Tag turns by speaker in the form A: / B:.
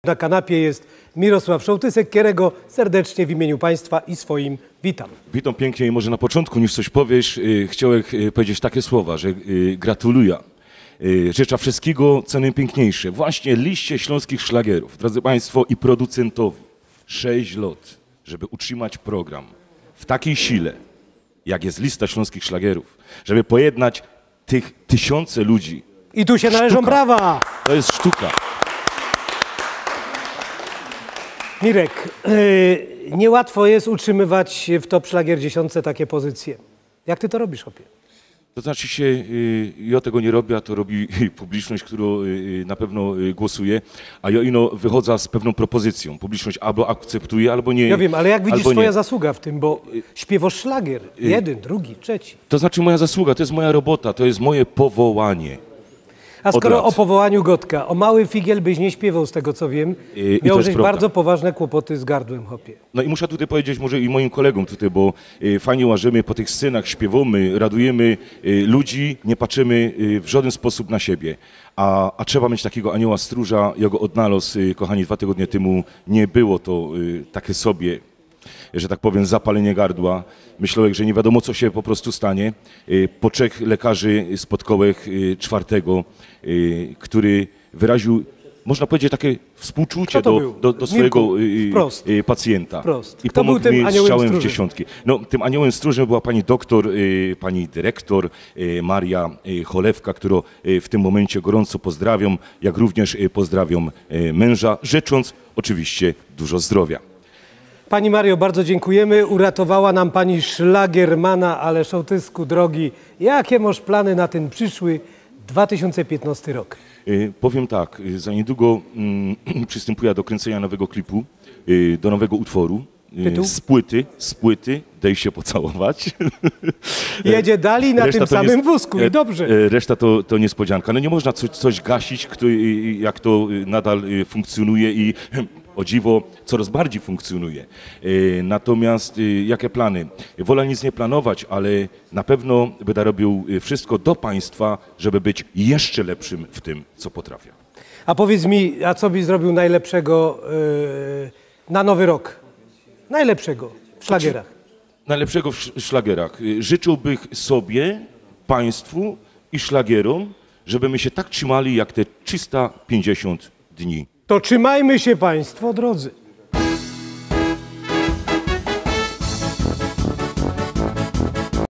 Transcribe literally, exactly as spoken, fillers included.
A: Na kanapie jest Mirosław Szołtysek, którego serdecznie w imieniu Państwa i swoim witam.
B: Witam pięknie i może na początku, niż coś powiesz, yy, chciałem yy, powiedzieć takie słowa, że yy, gratuluję. Yy, życzę wszystkiego, co najpiękniejsze. Właśnie liście śląskich szlagierów, drodzy Państwo, i producentowi. Sześć lat, żeby utrzymać program w takiej sile, jak jest lista śląskich szlagierów, żeby pojednać tych tysiące ludzi.
A: I tu się należą
B: Sztuka.
A: brawa!
B: To jest sztuka.
A: Mirek, yy, niełatwo jest utrzymywać w top szlagier dziesiątce takie pozycje. Jak ty to robisz, chłopie?
B: To znaczy się, y, ja tego nie robię, a to robi publiczność, która y, na pewno y, głosuje, a ja ino wychodzę z pewną propozycją. Publiczność albo akceptuje, albo nie.
A: Ja wiem, ale jak widzisz
B: twoja
A: nie. zasługa w tym, bo śpiewasz szlagier. Jeden, drugi, trzeci.
B: To znaczy moja zasługa, to jest moja robota, to jest moje powołanie.
A: A skoro
B: lat.
A: o powołaniu Gotka, o mały figiel byś nie śpiewał, z tego co wiem,
B: I,
A: miałeś
B: i
A: bardzo poważne kłopoty z gardłem, chłopie.
B: No i muszę tutaj powiedzieć może i moim kolegom tutaj, bo y, fajnie łażymy po tych scenach, śpiewamy, radujemy y, ludzi, nie patrzymy y, w żaden sposób na siebie. A, a trzeba mieć takiego anioła stróża, ja go odnalazł, y, kochani, dwa tygodnie temu nie było to y, takie sobie, że tak powiem, zapalenie gardła. Myślałem, że nie wiadomo, co się po prostu stanie. Po trzech lekarzy spotkałem czwartego, który wyraził, można powiedzieć, takie współczucie do, do, do swojego
A: Wprost.
B: pacjenta.
A: Wprost.
B: I
A: Kto
B: pomógł
A: był tym
B: mi
A: aniołem
B: strzałem w
A: stróżem?
B: dziesiątki. No, tym aniołem stróżem była pani doktor, pani dyrektor Maria Cholewka, którą w tym momencie gorąco pozdrawiam, jak również pozdrawiam męża, życząc oczywiście dużo zdrowia.
A: Pani Mario, bardzo dziękujemy. Uratowała nam pani szlagiermana, ale Szołtysku drogi, jakie masz plany na ten przyszły dwa tysiące piętnasty rok?
B: Y, powiem tak, y, za niedługo y, przystępuję do kręcenia nowego klipu, y, do nowego utworu.
A: Tytuł?
B: Z płyty, z płyty, daj się pocałować.
A: Jedzie dalej na
B: Reszta
A: tym
B: to
A: samym
B: nie,
A: wózku i dobrze.
B: Reszta to, to niespodzianka. No nie można coś, coś gasić, kto, jak to nadal funkcjonuje i o dziwo coraz bardziej funkcjonuje. Natomiast jakie plany? Wolę nic nie planować, ale na pewno będę robił wszystko do Państwa, żeby być jeszcze lepszym w tym, co potrafię.
A: A powiedz mi, a co byś zrobił najlepszego yy, na nowy rok? Najlepszego w szlagierach.
B: Najlepszego w szlagierach. Życzyłbym sobie, Państwu i szlagierom, żeby my się tak trzymali jak te trzysta pięćdziesiąt dni.
A: To trzymajmy się Państwo, drodzy.